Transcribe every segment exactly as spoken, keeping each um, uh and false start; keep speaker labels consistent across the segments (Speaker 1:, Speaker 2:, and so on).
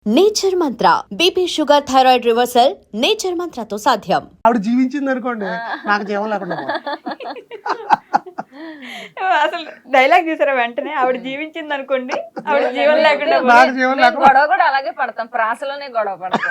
Speaker 1: Nature mantra BP sugar thyroid reversal nature మంత్రతో సాధ్యం.
Speaker 2: ఆవిడ జీవించింది అనుకోండి నాకు జీవం లేకుండా
Speaker 3: అసలు డైలాగ్ చూసారా వెంటనే ఆవిడ జీవించింది అనుకోండి ఆవిడ జీవం లేకుండా
Speaker 2: నాకు జీవం లేకుండా
Speaker 4: గొడవ కూడా అలాగే పడతాం, ప్రాసలోనే గొడవ పడతాం.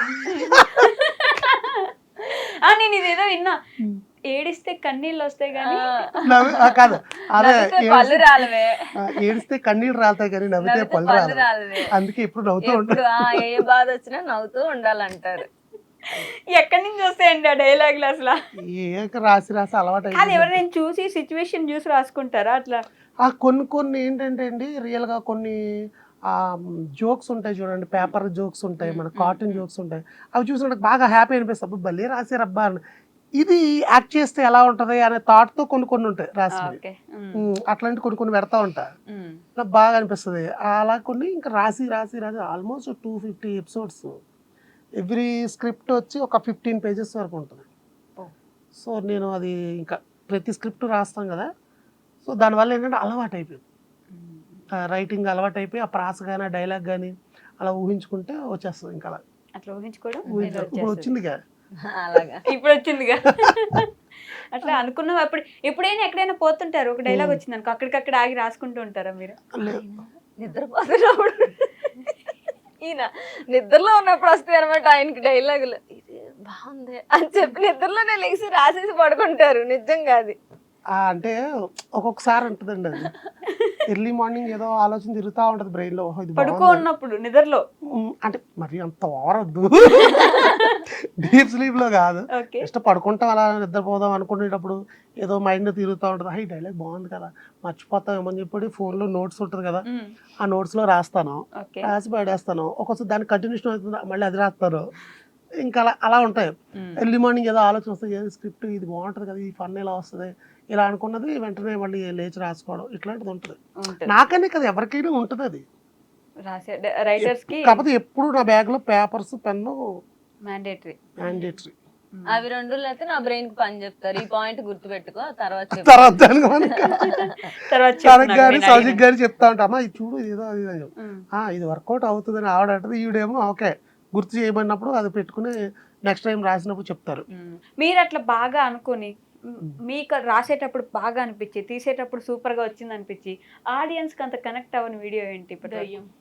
Speaker 3: ఆ నేను ఇదేదో విన్నా, ఏడిస్తే కన్నీళ్ళు వస్తాయి కానీ
Speaker 2: నవ్వి- ఆ, కాదు అదే
Speaker 4: నవ్వితే పళ్ళు రాలవే,
Speaker 2: ఆ, ఏడిస్తే కన్నీళ్ళు రాలుతాయి కానీ నవ్వితే
Speaker 4: నవ్వితే
Speaker 2: పళ్ళు
Speaker 4: పళ్ళు
Speaker 2: రాదు.
Speaker 4: రాలవే.
Speaker 2: అందుకే ఇప్పుడు నవ్వుతూ
Speaker 4: ఎప్పుడు
Speaker 2: ఉంటాను.
Speaker 4: ఆ, ఏ బాధ వచ్చినా నవ్వుతూ ఉండాలంటారు.
Speaker 3: ఎక్కడి నుంచి వస్తాయండి ఆ డైలాగులు అసలు?
Speaker 2: ఏక రాసి రాసి అలవాటు
Speaker 3: అది
Speaker 2: అయిపోయింది.
Speaker 3: ఎవరైనా చూసి సిచ్యువేషన్ చూసి రాసుకుంటారా అట్లా?
Speaker 2: ఆ కొన్ని కొన్ని ఏంటంటే అండి రియల్ గా కొన్ని జోక్స్ ఉంటాయి చూడండి, పేపర్ జోక్స్ ఉంటాయి, మన కార్టూన్ జోక్స్ ఉంటాయి, అవి చూసి నాకు బాగా హ్యాపీ అనిపిస్తుంది. అబ్బా, భలే రాశారబ్బా అని. ఇది యాక్ట్ చేస్తే ఎలా ఉంటది అనే థాట్ తో కొన్ని కొన్ని ఉంటాయి రాసి.
Speaker 3: ఓకే.
Speaker 2: అట్లాంటి కొన్ని కొన్ని పెడతా ఉంటా, నాకు బాగా అనిపిస్తుంది. అలా కొన్ని ఇంకా రాసి రాసి రాసి almost two fifty episodes, every script వచ్చి ఒక ఫిఫ్టీన్ పేజెస్ వరకు ఉంటుంది. సో నేను అది ఇంకా ప్రతి స్క్రిప్ట్ రాస్తాం కదా, సో దానివల్ల ఏంటంటే అలవాటు అయిపోయింది, రైటింగ్ అలవాటు అయిపోయి ఆ ప్రాస కానీ డైలాగ్ కానీ అలా ఊహించుకుంటే వచ్చేస్తుంది. ఇంకా అలా
Speaker 3: అట్లా ఊహించుకోవడం
Speaker 2: ఊహించు ఇప్పుడు వచ్చింది కదా.
Speaker 4: అలాగా
Speaker 3: ఇప్పుడు వచ్చిందిగా. అట్లా అనుకున్నాం. అప్పుడు ఎప్పుడైనా ఎక్కడైనా పోతుంటారు, ఒక డైలాగ్ వచ్చింది అనుకో, అక్కడికక్కడ ఆగి రాసుకుంటూ ఉంటారా మీరు?
Speaker 2: లేదు.
Speaker 4: నిద్రపోతున్నప్పుడు ఈయన నిద్రలో ఉన్నప్పుడు వస్తాయి అనమాట ఆయనకి డైలాగులు, ఇది బాగుంది అని చెప్పి నిద్రలోనే లేచి రాసేసి పడుకుంటారు. నిజంగా అది
Speaker 2: ఆ, అంటే ఒక్కొక్కసారి ఉంటుందండి అది, ఎర్లీ మార్నింగ్ ఏదో ఆలోచన తిరుగుతూ ఉంటుంది బ్రెయిన్ లో, ఓహో, ఇది
Speaker 3: పడుకో
Speaker 2: బాగుంది.
Speaker 3: ఉన్నప్పుడు నిద్రలో.
Speaker 2: ఉమ్, అంటే మరి అంత ఓవరద్దు, డీప్ స్లీప్ లో కాదు,
Speaker 3: ఓకే.
Speaker 2: జస్ట్ పడుకుంటాం అలా నిద్రపోదాం అనుకునేటప్పుడు ఏదో మైండ్ తిరుగుతూ ఉంటుంది, హై డైలాగ్ బాగుంది కదా మర్చిపోతాం ఏమని చెప్పి ఫోన్లో నోట్స్ ఉంటుంది కదా, ఆ నోట్స్లో రాస్తాను,
Speaker 3: ఓకే.
Speaker 2: రాసి పడేస్తాను. ఒక్కొక్కసారి దానికి కంటిన్యూషన్ అవుతుంది, మళ్ళీ అది రాస్తాను. ఇంకా అలా అలా ఉంటాయి. ఎర్లీ మార్నింగ్ ఏదో ఆలోచన వస్తుంది, ఏదో స్క్రిప్ట్ ఇది బాగుంటుంది కదా, ఈ ఫన్ ఇలా వస్తుంది, ఇలా అనుకున్నది వెంటనే మళ్ళీ లేచి రాసుకోవడం ఇట్లాంటిది ఉంటుంది.
Speaker 3: ఉంటుంది.
Speaker 2: నాకనే కదా ఎవరికైనా ఉంటుంది అది,
Speaker 3: రాసే రైటర్స్ కి
Speaker 2: కాకపోతే ఎప్పుడు నా బ్యాగ్ లో పేపర్స్ పెన్ను
Speaker 3: మ్యాండేటరీ.
Speaker 2: మ్యాండేటరీ.
Speaker 4: అవి రెండు అయితే నా బ్రెయిన్ కి పని చెప్తారు. ఈ పాయింట్ గుర్తు పెట్టుకో, తర్వాత చెప్పు.
Speaker 2: తర్వాత దానికి మనకి
Speaker 3: తర్వాత
Speaker 2: తనకి
Speaker 3: చెప్తున్నారు
Speaker 2: గారి
Speaker 3: నేను
Speaker 2: సౌజిక్
Speaker 3: అడిగిన.
Speaker 2: గారి చెప్తా ఉంటా, అమ్మా ఇది చూడు ఇది ఏదో అది ఇది అని చెప్పి.
Speaker 3: ఉమ్.
Speaker 2: ఆ, ఇది వర్కౌట్ అవుతుందని ఆవిడ అంటది, ఈవిడేమో ఓకే గుర్తు చేయమన్నప్పుడు అది పెట్టుకుని నెక్స్ట్ టైం రాసినప్పుడు చెప్తారు.
Speaker 3: ఉమ్. మీరు అట్లా బాగా అనుకుని ఉమ్, మీకు రాసేటప్పుడు బాగా అనిపించి, తీసేటప్పుడు సూపర్ గా వచ్చింది అనిపించి, ఆడియన్స్ కి అంత కనెక్ట్ అవ్వని వీడియో ఏంటి ఇప్పుడు?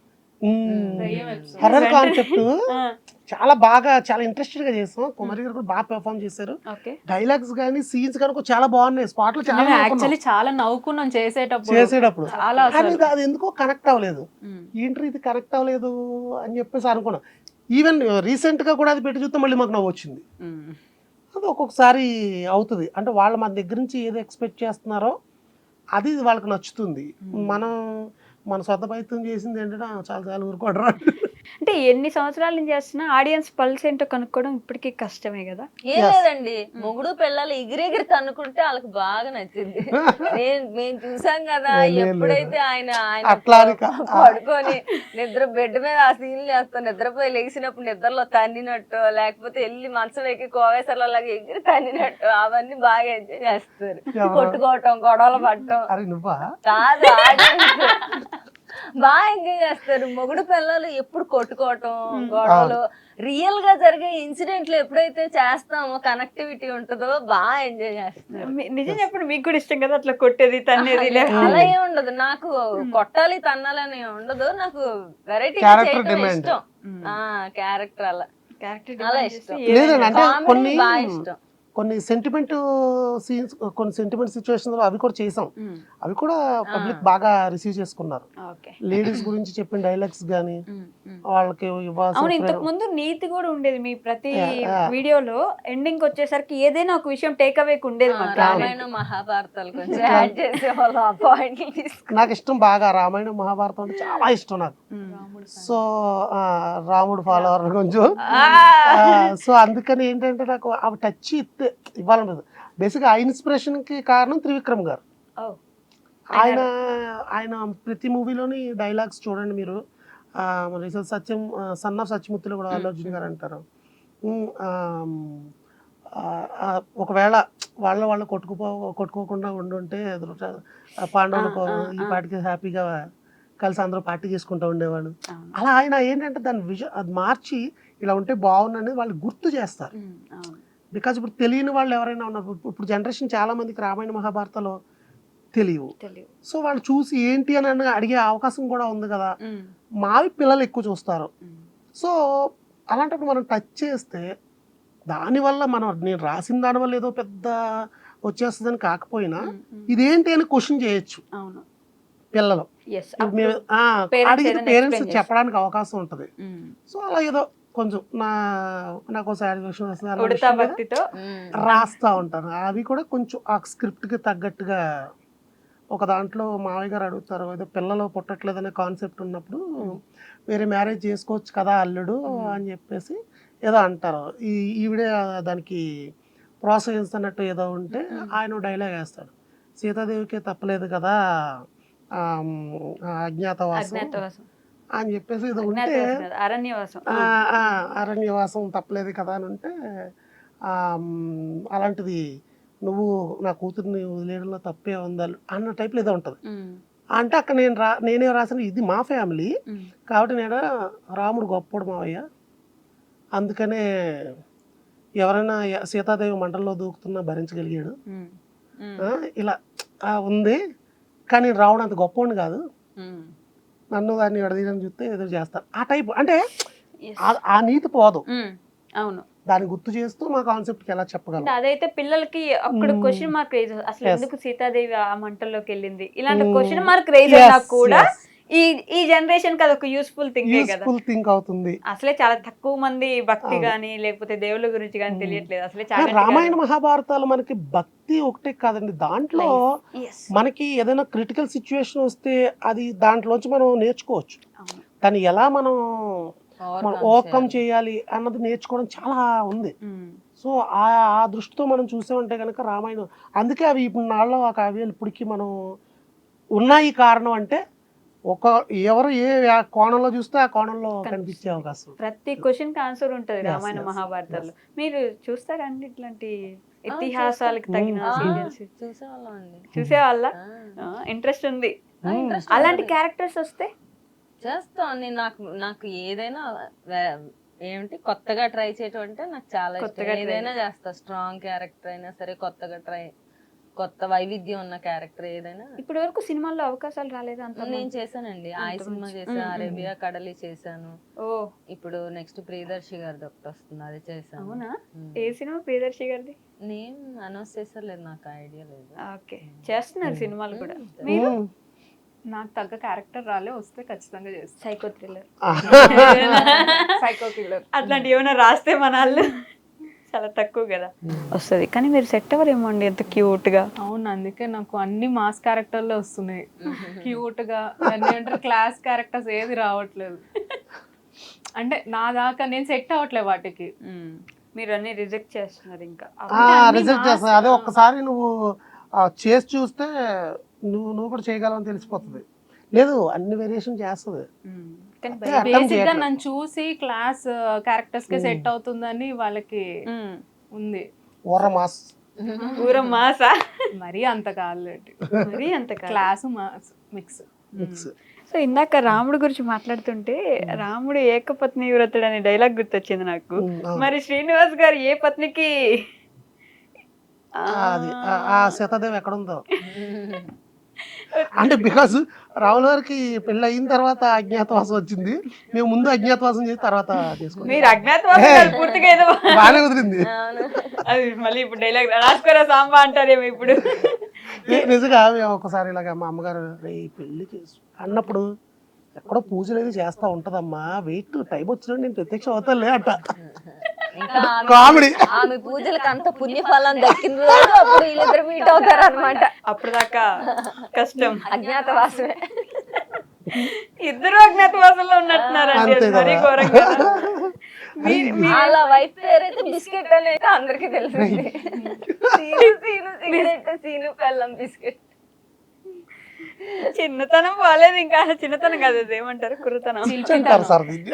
Speaker 2: హర్రర్ కాన్సెప్ట్
Speaker 3: ఆ,
Speaker 2: చాలా బాగా చాలా ఇంట్రెస్టెడ్ గా చేస్తాం. కుమారి గారు కూడా బాగా పెర్ఫార్మ్ చేశారు.
Speaker 3: ఓకే.
Speaker 2: డైలాగ్స్ కానీ సీన్స్ కానీ కూడా చాలా బాగున్నాయి. స్పాట్ లో చాలా
Speaker 5: మేము
Speaker 2: నవ్వుకున్నాం
Speaker 5: యాక్చువల్లీ చాలా నవ్వుకున్నాం చేసేటప్పుడు.
Speaker 2: చేసేటప్పుడు,
Speaker 5: చాలా
Speaker 2: కానీ
Speaker 5: అసలు.
Speaker 2: అది ఎందుకో కనెక్ట్ అవ్వలేదు.
Speaker 3: ఉమ్.
Speaker 2: ఏంటి ఇది కనెక్ట్ అవ్వలేదు అని చెప్పేసి అనుకున్నాం. ఈవెన్ రీసెంట్ గా కూడా అది పెట్టి చూస్తే మళ్ళీ మాకు నవ్వు వచ్చింది.
Speaker 3: ఉమ్.
Speaker 2: అది ఒక్కొక్కసారి అవుతుంది, అంటే వాళ్ళ మన దగ్గర నుంచి ఏది ఎక్స్పెక్ట్ చేస్తున్నారో అది వాళ్ళకి నచ్చుతుంది. మనం మన సొంత ప్రయత్నం చేసింది ఏంటంటే "ఆ, చాలా చాలా ఊరుకోడరా."
Speaker 3: అంటే ఎన్ని సంవత్సరాల నుంచి చేస్తున్నా ఆడియన్స్ పల్స్ ఏంటో కనుక్కోవడం ఇప్పటికీ కష్టమే కదా.
Speaker 4: ఏం లేదండి, మొగుడు పిల్లలు ఎగిరెగిరి తన్నుకుంటే వాళ్ళకి బాగా నచ్చింది. నేను మేము చూసాం కదా,
Speaker 2: లేదు, లేదు.
Speaker 4: ఎప్పుడైతే ఆయన ఆయన
Speaker 2: అట్లా అని కా-
Speaker 4: పడుకొని నిద్ర బెడ్ మీద ఆ సీన్లు చేస్తాం, నిద్రపోయి లేచినప్పుడు నిద్రలో తన్నినట్టు, లేకపోతే వెళ్ళి మంచం ఎక్కి కోవేసర్లో లాగా ఎగిరి తన్నినట్టు, అవన్నీ బాగా ఎంజాయ్ చేస్తారు.
Speaker 2: ఎవరు?
Speaker 4: కొట్టుకోవటం, గొడవలు పడటం
Speaker 2: అరే నువ్వా
Speaker 4: కాదు, audience బాగా ఎంజాయ్ చేస్తారు. మొగుడు పిల్లలు ఎప్పుడు కొట్టుకోవటం, గొడవలు, రియల్ గా జరిగే ఇన్సిడెంట్లు ఎప్పుడైతే చేస్తామో కనెక్టివిటీ ఉంటుందో బాగా ఎంజాయ్ చేస్తారు.
Speaker 3: మీ- నిజం చెప్పండి, మీకు కూడా ఇష్టం కదా అట్లా కొట్టేది తన్నేది లేకపోతే?
Speaker 4: అలా ఏం ఉండదు, నాకు కొట్టాలి తన్నాలని ఉండదు, నాకు వెరైటీ
Speaker 2: Character
Speaker 4: చేయడం
Speaker 2: demand.
Speaker 4: ఇష్టం. ఆ క్యారెక్టర్ అలా
Speaker 3: క్యారెక్టర్
Speaker 4: అలా ఇష్టం.
Speaker 2: లేదండి, అంటే
Speaker 4: Comedy
Speaker 2: కొన్ని
Speaker 4: బాగా ఇష్టం.
Speaker 2: కొన్ని సెంటిమెంట్ సీన్స్, కొన్ని సెంటిమెంట్ సిచ్యువేషన్స్ అవి కూడా చేసాం. అవి కూడా పబ్లిక్ బాగా రిసీవ్ చేసుకున్నారు.
Speaker 3: ఓకే.
Speaker 2: లేడీస్ గురించి చెప్పిన డైలాగ్స్ కానీ
Speaker 3: ఉమ్, ఉమ్.
Speaker 2: వాళ్ళకి
Speaker 3: అవును,
Speaker 2: ఇవ్వాల్సిన
Speaker 3: ఇంతకు ముందు నీతి కూడా ఉండేది మీ ప్రతి
Speaker 2: Yeah, yeah.
Speaker 3: వీడియోలో. ఎండింగ్ వచ్చేసరికి ఏదైనా ఒక విషయం టేక్ అవేకి ఉండేది
Speaker 4: ఆ,
Speaker 3: మాకు.
Speaker 4: రామాయణం మహాభారతాలు కొంచెం యాడ్ చేసేవాళ్ళు, ఆ పాయింట్లు తీసుకుని.
Speaker 2: నాకు ఇష్టం బాగా రామాయణం మహాభారతం అంటే చాలా ఇష్టం నాకు. సో ఆ, రాముడు ఫాలోవర్ కొంచెం, సో అందుకని ఏంటంటే నాకు అవి టచ్ ఇస్తే ఇవ్వాలన్నది. బేసిక్గా ఆ ఇన్స్పిరేషన్ కి కారణం త్రివిక్రమ్ గారు.
Speaker 3: ఓ.
Speaker 2: ఆయన ఆయన ప్రతి మూవీలోని డైలాగ్స్ చూడండి మీరు. ఆ, మరి సత్యం సన్ ఆఫ్ సత్యమూర్తిలో కూడా అల్లు అర్జున్ గారు అంటారు, ఉమ్, ఆమ్, ఆ, ఆ, ఒకవేళ వాళ్ళ వాళ్ళు కొట్టుకుపో కొట్టుకోకుండా ఉండుంటే పాండవులకు ఈ పాటికి హ్యాపీగా కలిసి అందరూ పార్టీ చేసుకుంటూ ఉండేవాళ్ళు.
Speaker 3: అవును.
Speaker 2: అలా ఆయన ఏంటంటే దాన్ని విజ అది మార్చి ఇలా ఉంటే బాగుందని వాళ్ళు గుర్తు చేస్తారు.
Speaker 3: ఉమ్, అవును.
Speaker 2: బికాజ్ ఇప్పుడు తెలియని వాళ్ళు ఎవరైనా ఉన్నారు, ఇప్పుడు- ఇప్పుడు జనరేషన్ చాలా మందికి రామాయణ మహాభారతాలు తెలియవు.
Speaker 3: తెలియదు.
Speaker 2: సో వాళ్ళు చూసి ఏంటి అని అని అడిగే అవకాశం కూడా ఉంది కదా.
Speaker 3: ఉమ్,
Speaker 2: మావి పిల్లలు ఎక్కువ చూస్తారు.
Speaker 3: ఉమ్,
Speaker 2: సో అలాంటప్పుడు మనం టచ్ చేస్తే దానివల్ల మనం నేను రాసిన దానివల్ల ఏదో పెద్ద వచ్చేస్తుందని కాకపోయినా
Speaker 3: ఉమ్, ఉమ్,
Speaker 2: ఇదేంటి అని క్వశ్చన్ చేయొచ్చు
Speaker 3: అవును.
Speaker 2: పిల్లలు.
Speaker 3: ఎస్.
Speaker 2: ఇప్పుడు మేము ఆ,
Speaker 3: parents
Speaker 2: అడిగితే
Speaker 3: ఏదైనా
Speaker 2: పేరెంట్స్
Speaker 3: explain
Speaker 2: చెప్పడానికి అవకాశం ఉంటుంది. సో అలా ఏదో కొంచెం నా నాకు సాటిస్ఫాక్షన్ వస్తుంది అన్న
Speaker 3: ఉడతా
Speaker 2: విషయం మీద
Speaker 3: భక్తితో
Speaker 2: రాస్తా ఉంటాను. అవి కూడా కొంచెం ఆ స్క్రిప్ట్కి తగ్గట్టుగా ఒక దాంట్లో మావయ్య గారు అడుగుతారు, ఏదో పిల్లలు పుట్టట్లేదనే కాన్సెప్ట్ ఉన్నప్పుడు వేరే మ్యారేజ్ చేసుకోవచ్చు కదా అల్లుడు అని చెప్పేసి ఏదో అంటారు. ఈ ఈవిడే దానికి ప్రోత్సహిస్తున్నట్టు ఏదో ఉంటే ఆయన డైలాగ్ వేస్తాడు, సీతాదేవికి తప్పలేదు కదా ఆమ్, ఆ అజ్ఞాతవాసం
Speaker 3: అజ్ఞాతవాసం
Speaker 2: అని చెప్పేసి ఏదో ఉంటే
Speaker 3: అజ్ఞాతవాసం కాదు, అరణ్యవాసం.
Speaker 2: ఆ, ఆ, అరణ్యవాసం తప్పలేదు కదా అని ఉంటే ఆమ్, అలాంటిది నువ్వు నా కూతుర్ని వదిలేయడంలో తప్పే ఉందా అన్న టైప్లో ఏదో ఉంటుంది.
Speaker 3: ఉమ్,
Speaker 2: అంటే అక్కడ నేను రా నేనే రాసిన ఇది మా ఫ్యామిలీ
Speaker 3: ఉమ్,
Speaker 2: కాబట్టి నేను రాముడు గొప్పడు మావయ్య, అందుకనే ఎవరైనా య- సీతాదేవి మంటల్లో దూకుతున్నా భరించగలిగాడు.
Speaker 3: ఉమ్, ఉమ్,
Speaker 2: ఆ, ఇలా ఆ, ఉంది కానీ రావడం అంత గొప్పవాడిని కాదు,
Speaker 3: ఉమ్.
Speaker 2: నన్ను దాన్ని విడదీయని చూస్తే ఎదురు చేస్తారు ఆ టైప్. అంటే
Speaker 3: Yes.
Speaker 2: ఆ- ఆ నీతి పోదు,
Speaker 3: ఉమ్, అవును.
Speaker 2: దాన్ని గుర్తు చేస్తూ మా కాన్సెప్ట్కి ఎలా చెప్పగలం.
Speaker 3: అంటే అదైతే పిల్లలకి అక్కడ
Speaker 2: మ్మ్.
Speaker 3: క్వశ్చన్ మార్క్ రేజ్ అసలు
Speaker 2: Yes.
Speaker 3: ఎందుకు సీతాదేవి ఆ మంటల్లోకి వెళ్ళింది ఇలాంటి
Speaker 2: మ్మ్.
Speaker 3: క్వశ్చన్ మార్క్ రేజ్
Speaker 2: Yes,
Speaker 3: అయినా కూడా
Speaker 2: yes.
Speaker 3: ఈ ఈ జనరేషన్ కి అదొక యూస్ఫుల్ థింగ్ కదా.
Speaker 2: యూస్ఫుల్ థింక్ అవుతుంది.
Speaker 3: అసలే చాలా తక్కువ మంది భక్తి
Speaker 2: అవును.
Speaker 3: గాని లేకపోతే దేవుళ్ళ గురించి గాని
Speaker 2: మ్మ్.
Speaker 3: తెలియట్లేదు. అసలే
Speaker 2: ఆ,
Speaker 3: చాలా
Speaker 2: రామాయణ మహాభారతాలు మనకి భక్తి ఒకటే కాదండి, దాంట్లో
Speaker 3: Yes.
Speaker 2: మనకి ఏదైనా క్రిటికల్ సిచ్యువేషన్ వస్తే అది దాంట్లోంచి మనం నేర్చుకోవచ్చు,
Speaker 3: అవును.
Speaker 2: దాన్ని ఎలా మనం మనం
Speaker 4: Overcome
Speaker 2: ఓవర్కమ్
Speaker 4: చేయాలి.
Speaker 2: చేయాలి అన్నది నేర్చుకోవడం చాలా ఉంది.
Speaker 3: మ్మ్.
Speaker 2: సో ఆ ఆ దృష్టితో మనం చూసామంటే కనుక రామాయణం, అందుకే అవి ఇప్పుడు నాళ్ళలో ఆ కావ్యాలు ఇప్పటికీ మనం ఉన్నాయి. కారణం అంటే ఒక ఎవరు ఏ వ్యా- కోణంలో చూస్తే ఆ కోణంలో కనిపించే అవకాశం.
Speaker 3: ప్రతి క్వశ్చన్ కి ఆన్సర్ ఉంటది
Speaker 2: Yes,
Speaker 3: రామాయణ
Speaker 2: yes,
Speaker 3: మహాభారతాలు. మీరు చూస్తారండి ఇట్లాంటి
Speaker 4: ఆ,
Speaker 3: ఇతిహాసాలకు తగిన
Speaker 2: మ్మ్.
Speaker 3: సీరియల్స్
Speaker 4: చూసేవాళ్ళం అండి.
Speaker 3: చూసే వాళ్ళ
Speaker 4: ఆ.
Speaker 3: ఇంట్రెస్ట్ ఉంది.
Speaker 4: ఆ, interest
Speaker 3: అలాంటి
Speaker 4: ఉంది.
Speaker 3: క్యారెక్టర్స్ వస్తే
Speaker 4: చేస్తాం. నేను నాకు నాకు ఏదైనా వే- ఏమిటి కొత్తగా ట్రై చేయటం అంటే నాకు చాలా
Speaker 3: కొత్తగా
Speaker 4: ఇష్టం.
Speaker 3: try
Speaker 4: ఏదైనా చేస్తా, స్ట్రాంగ్ క్యారెక్టర్ అయినా సరే, కొత్తగా ట్రై కొత్త వైవిధ్యం ఉన్న క్యారెక్టర్ ఏదైనా.
Speaker 3: ఇప్పటి వరకు సినిమాల్లో అవకాశాలు రాలేదు అంత.
Speaker 4: నేను చేశానండి, ఆయి
Speaker 3: అంత
Speaker 4: సినిమా
Speaker 3: మంచి-
Speaker 4: చేశాను,
Speaker 3: మ్మ్,
Speaker 4: అరేబియా కడలి చేశాను.
Speaker 3: ఓ
Speaker 4: ఇప్పుడు నెక్స్ట్ ప్రియదర్శి గారిది ఒకటి వస్తుంది, అది చేశాను.
Speaker 3: అవునా?
Speaker 4: మ్మ్.
Speaker 3: ఏ సినిమా ప్రియదర్శి గారిది?
Speaker 4: నేమ్ అనౌన్స్ చేశారు, నాకు ఐడియా లేదు.
Speaker 3: ఓకే, చేస్తున్నారు సినిమాలు కూడా.
Speaker 4: మ్మ్.
Speaker 3: మీరు
Speaker 2: మ్మ్.
Speaker 5: నాకు తగ్గ క్యారెక్టర్ రాలే, వస్తే ఖచ్చితంగా చేస్తాను.
Speaker 3: సైకో థ్రిల్లర్
Speaker 5: సైకో కిల్లర్
Speaker 3: అట్లాంటి ఏమైనా రాస్తే మన వాళ్ళు చాలా తక్కువ కదా వస్తుంది. కానీ మీరు సెట్ అవ్వరేమో అండి, ఎంత క్యూట్ గా.
Speaker 5: అవును, అందుకే నాకు అన్ని మాస్ క్యారెక్టర్లే వస్తున్నాయి. క్యూట్ గా దాన్ని ఏమంటారు, క్లాస్ క్యారెక్టర్స్ ఏది రావట్లేదు. అంటే నా దాకా నేను సెట్ అవ్వట్లేదు వాటికి.
Speaker 3: మ్మ్. మీరు అన్ని రిజెక్ట్ చేస్తున్నారు ఇంకా.
Speaker 2: రిజెక్ట్ చేస్తా. అదే ఒక్కసారి నువ్వు ఆ, చేసి చూస్తే నువ్వు నువ్వు కూడా చేయగలవని తెలిసిపోతుంది. లేదు అన్ని వేరియేషన్ చేస్తుంది.
Speaker 3: మ్మ్. కానీ
Speaker 2: అదే
Speaker 3: భయం.
Speaker 2: అర్థం
Speaker 5: బేసిక్ గా
Speaker 2: చేయట్లేదు.
Speaker 5: నన్ను చూసి క్లాస్ క్యారెక్టర్స్ కే సెట్ అవుతుందని వాళ్ళకి
Speaker 3: మ్మ్.
Speaker 5: ఉంది.
Speaker 2: ఓర మాస్
Speaker 3: ఊర మాసా
Speaker 5: మరీ అంత కాలేదు,
Speaker 3: మరి అంత కాదు.
Speaker 5: Class mass mix.
Speaker 2: Mix.
Speaker 3: So ఇందాక రాముడు గురించి మాట్లాడుతుంటే రాముడు ఏకపత్ని వ్రతుడు అనే డైలాగ్ గుర్తొచ్చింది నాకు.
Speaker 2: మ్మ్, అవును.
Speaker 3: మరి శ్రీనివాస్ గారు ఏ పత్నికి ఆ,
Speaker 2: అది ఆ- ఆ సీతాదేవి ఎక్కడ ఉందో అంటే బికాస్ రాముల గారికి పెళ్ళి అయిన తర్వాత అజ్ఞాతవాసం వచ్చింది, మేము ముందు అజ్ఞాతవాసం చేసి తర్వాత చేసుకున్నాం.
Speaker 3: మీరు అజ్ఞాతవాసం కాదు, పూర్తిగా ఏదో
Speaker 2: బాగానే కుదిరింది.
Speaker 3: అది మళ్ళీ ఇప్పుడు డైలాగ్ రాసుకోరా సాంబా అంటారేమో ఇప్పుడు.
Speaker 2: ని- నిజంగా మేము ఒకసారి ఇలాగ మా అమ్మగారు రే పెళ్ళికి అన్నప్పుడు ఎక్కడో పూజలు ఏది చేస్తా ఉంటదమ్మా, వెయిట్ టైం వచ్చినప్పుడు నేను ప్రత్యక్షం అవుతానులే అంట.
Speaker 4: ఇంకా ఆమె-
Speaker 2: కామెడీ.
Speaker 4: ఆమె పూజలకు అంత పుణ్యఫలం దక్కిన రోజు అప్పుడు వీళ్ళిద్దరు మీట్ అవుతారు అనమాట.
Speaker 3: అప్పుడు దాకా కష్టం.
Speaker 4: అజ్ఞాతవాసమే.
Speaker 3: ఇద్దరు అజ్ఞాతవాసంలో ఉన్నట్టున్నారండి,
Speaker 2: అంతే
Speaker 3: అది మరీ
Speaker 2: కదా.
Speaker 3: ఘోరంగా. మీ- మీ-
Speaker 4: వాళ్ళ వైఫ్ పేరైతే బిస్కెట్ అని అయితే అందరికి తెలిసింది. సీను సీను సిగరెట్, సీను పెళ్ళం బిస్కెట్.
Speaker 3: చిన్నతనం బాలేదు, ఇంకా చిన్నతనం కాదు, అది ఏమంటారు, కుర్రతనం.
Speaker 2: అంటారు సార్ దీన్ని.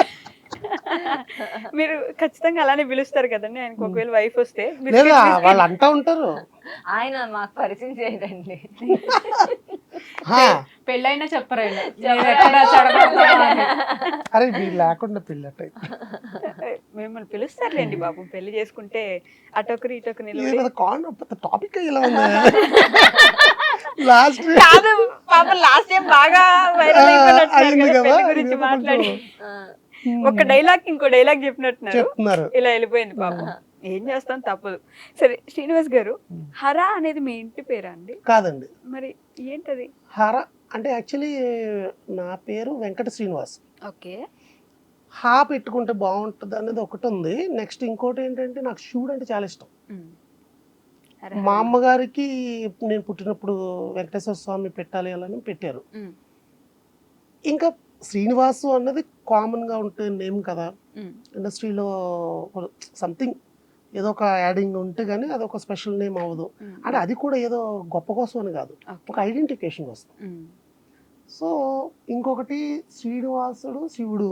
Speaker 3: మీరు ఖచ్చితంగా అలానే పిలుస్తారు కదండి ఆయనకు ఒకవేళ వైఫ్ వస్తే. మీరు
Speaker 2: లేదా వాళ్ళు అంటా ఉంటారు.
Speaker 4: ఆయన మాకు పరిచయం చేయదండి.
Speaker 2: హా,
Speaker 5: పెళ్ళైనా చెప్పరైనా నేను ఎక్కడ చెడగొడతానో అని.
Speaker 2: అరే వీళ్ళు లేకుండా పిల్లట
Speaker 3: మిమ్మల్ని పిలుస్తారులేండి బాబు, పెళ్లి చేసుకుంటే అటొకరు ఇటొకరు నిలబడి.
Speaker 2: ఏదో కాన్ టాపిక్ ఇలా ఉంది లాస్ట్
Speaker 3: కాదు పాపం లాస్ట్ టైం బాగా వైరల్ అయిపోయినట్టున్నారు
Speaker 2: అయింది
Speaker 3: కదా
Speaker 2: కదా,
Speaker 3: పెళ్లి గురించి
Speaker 2: ఇదేదో
Speaker 3: మాట్లాడి.
Speaker 2: కొంచెం
Speaker 3: ఒక డైలాగ్ ఇంకో డైలాగ్ చెప్పినట్టున్నారు,
Speaker 2: చెప్తున్నారు.
Speaker 3: ఇలా వెళ్ళిపోయింది పాపం. ఏం చేస్తాం తప్పదు. సరే శ్రీనివాస్ గారు, హరా అనేది మీ ఇంటి పేరా అండి?
Speaker 2: కాదండి,
Speaker 3: మరి ఏంటది?
Speaker 2: హర అంటే యాక్చువల్లీ నా పేరు వెంకట శ్రీనివాస్.
Speaker 3: ఓకే.
Speaker 2: హా పెట్టుకుంటే బాగుంటుంది అనేది ఒకటి ఉంది. నెక్స్ట్ ఇంకోటి ఏంటంటే నాకు శివుడు అంటే చాలా ఇష్టం. మా అమ్మగారికి నేను పుట్టినప్పుడు వెంకటేశ్వర స్వామి పెట్టాలి అని పెట్టారు. ఇంకా శ్రీనివాసు అన్నది కామన్గా ఉంటే నేమ్ కదా, ఇండస్ట్రీలో సంథింగ్ ఏదో ఒక యాడింగ్ ఉంటే కానీ అది ఒక స్పెషల్ నేమ్ అవ్వదు. అంటే అది కూడా ఏదో గొప్ప కోసం అని కాదు, ఒక ఐడెంటిఫికేషన్ కోసం. సో ఇంకొకటి శ్రీనివాసుడు శివుడు,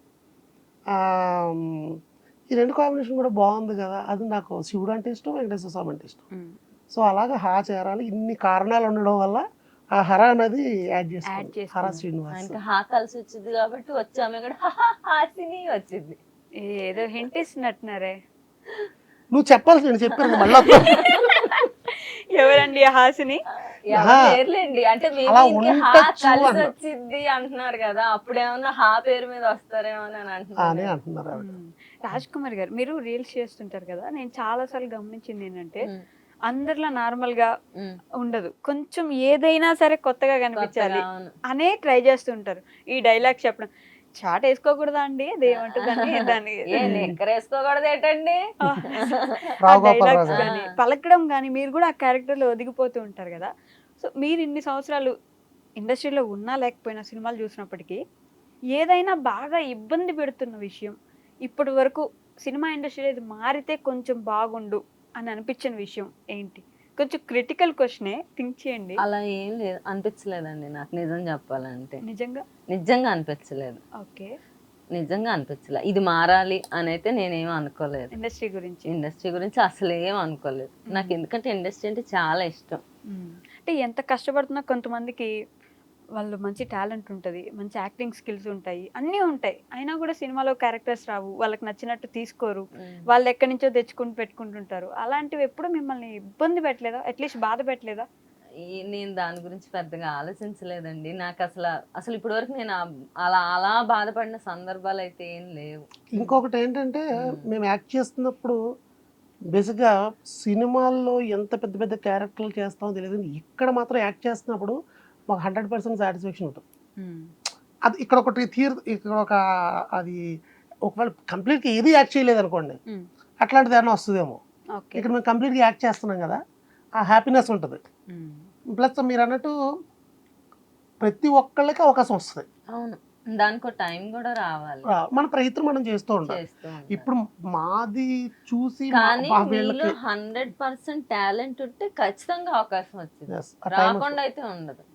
Speaker 2: ఈ రెండు కాంబినేషన్ కూడా బాగుంది కదా. అది నాకు శివుడు అంటే ఇష్టం, వెంకటేశ్వర స్వామి అంటే ఇష్టం. సో అలాగా హా చేరాలి, ఇన్ని కారణాలు ఉండడం వల్ల ఆ హర అనేది యాడ్ చేస్తాను, హర శ్రీనివాస్.
Speaker 4: ఇంకా హా కలిసి వచ్చింది కాబట్టి వచ్చాము ఇక్కడ హాసిని వచ్చింది.
Speaker 3: ఏదో హింట్ ఇస్తున్నట్టున్నారే.
Speaker 2: నువ్వు చెప్పాల్సి నేను చెప్పాను మళ్ళీ
Speaker 3: ఎవరండి ఆ హాసిని?
Speaker 4: పేర్లేండి అంటే మేము
Speaker 2: అలా
Speaker 4: ఇంకే హా
Speaker 2: ఉండొచ్చు
Speaker 4: కలిసి
Speaker 2: అన్న.
Speaker 4: వచ్చింది అంటున్నారు కదా, అప్పుడేమన్నా హా పేరు మీద వస్తారేమో అని
Speaker 2: అని
Speaker 4: అంటున్నారు.
Speaker 2: అంటున్నారు ఆవిడ.
Speaker 3: రాజ్ కుమార్ గారు, మీరు రీల్స్ చేస్తుంటారు కదా, నేను చాలా సార్లు గమనించింది ఏంటంటే అందరిలా నార్మల్ గా ఉండదు, కొంచెం ఏదైనా సరే కొత్తగా కనిపించాలి
Speaker 4: అవును.
Speaker 3: అనే ట్రై చేస్తుంటారు. ఈ డైలాగ్ చెప్పడం, చాట్ వేసుకోకూడదా అండి అది ఏమంటుందని దాన్ని
Speaker 4: ఏ నిక్కర్ వేసుకోకూడదు ఏంటండి?
Speaker 2: రావు గోపాల్
Speaker 3: డైలాగ్స్
Speaker 2: రాజు.
Speaker 3: కానీ పలకడం కానీ మీరు కూడా ఆ క్యారెక్టర్ లో ఒదిగిపోతూ ఉంటారు కదా. సో మీరు ఇన్ని సంవత్సరాలు ఇండస్ట్రీలో ఉన్నా లేకపోయినా సినిమాలు చూసినప్పటికీ ఏదైనా బాగా ఇబ్బంది పెడుతున్న విషయం, ఇప్పటి వరకు సినిమా ఇండస్ట్రీలో ఇది మారితే కొంచెం బాగుండు అని అనిపించిన విషయం ఏంటి? కొంచెం క్రిటికల్ క్వశ్చనే, థింక్ చేయండి.
Speaker 4: అలా ఏం లేదు, అనిపించలేదండి నాకు నిజం చెప్పాలంటే.
Speaker 3: నిజంగా
Speaker 4: నిజంగా అనిపించలేదు,
Speaker 3: ఓకే.
Speaker 4: నిజంగా అనిపించలే. ఇది మారాలి అని అయితే నేనేం అనుకోలేదు.
Speaker 3: ఇండస్ట్రీ గురించి
Speaker 4: ఇండస్ట్రీ గురించి అసలు ఏం అనుకోలేదు నాకు, ఎందుకంటే ఇండస్ట్రీ అంటే చాలా ఇష్టం.
Speaker 3: అంటే ఎంత కష్టపడుతున్నా కొంతమందికి వాళ్ళు మంచి టాలెంట్ ఉంటుంది, మంచి యాక్టింగ్ స్కిల్స్ ఉంటాయి, అన్నీ ఉంటాయి, అయినా కూడా సినిమాలో క్యారెక్టర్స్ రావు, వాళ్ళకి నచ్చినట్టు తీసుకోరు, వాళ్ళు ఎక్కడి నుంచో తెచ్చుకుని పెట్టుకుంటుంటారు. అలాంటివి ఎప్పుడు మిమ్మల్ని ఇబ్బంది పెట్టలేదా, అట్లీస్ట్ బాధ పెట్టలేదా?
Speaker 4: ఈ- నేను దాని గురించి పెద్దగా ఆలోచించలేదండి. నాకు అసలు అసలు ఇప్పటి వరకు నేను ఆ- అలా అలా బాధపడిన సందర్భాలు అయితే ఏం లేవు.
Speaker 2: ఇంకొకటి ఏంటంటే మేము యాక్ట్ చేస్తున్నప్పుడు బేసిక్గా సినిమాల్లో ఎంత పెద్ద పెద్ద క్యారెక్టర్లు చేస్తామో తెలియదు, ఇక్కడ మాత్రం యాక్ట్ చేస్తున్నప్పుడు మాకు హండ్రెడ్ పర్సెంట్ సాటిస్ఫాక్షన్ ఉంటుంది. అది ఇక్కడ ఒకటి తీర్ ఇక్కడ ఒక అది ఒకవేళ కంప్లీట్గా ఏది యాక్ట్ చేయలేదు అనుకోండి, అట్లాంటిది ఏమైనా వస్తుందేమో.
Speaker 3: ఓకే.
Speaker 2: ఇక్కడ మేము కంప్లీట్గా యాక్ట్ చేస్తున్నాం కదా, ఆ హ్యాపీనెస్ ఉంటుంది. ప్లస్ మీరు అన్నట్టు ప్రతి ఒక్కళ్ళకి అవకాశం వస్తుంది,
Speaker 4: అవును, దానికి టైం కూడా రావాలి,
Speaker 2: మన ప్రయత్నం మనం చేస్తూ ఉంటాం.
Speaker 4: చేస్తూ ఉండాలి.
Speaker 2: ఇప్పుడు మాది చూసి మా-
Speaker 4: కానీ
Speaker 2: మా
Speaker 4: మీలో
Speaker 2: వీళ్ళకి
Speaker 4: హండ్రెడ్ పర్సెంట్ టాలెంట్ ఉంటే ఖచ్చితంగా అవకాశం వచ్చింది,
Speaker 2: Yes, ఆ time
Speaker 4: రాకుండా అయితే ఉండదు.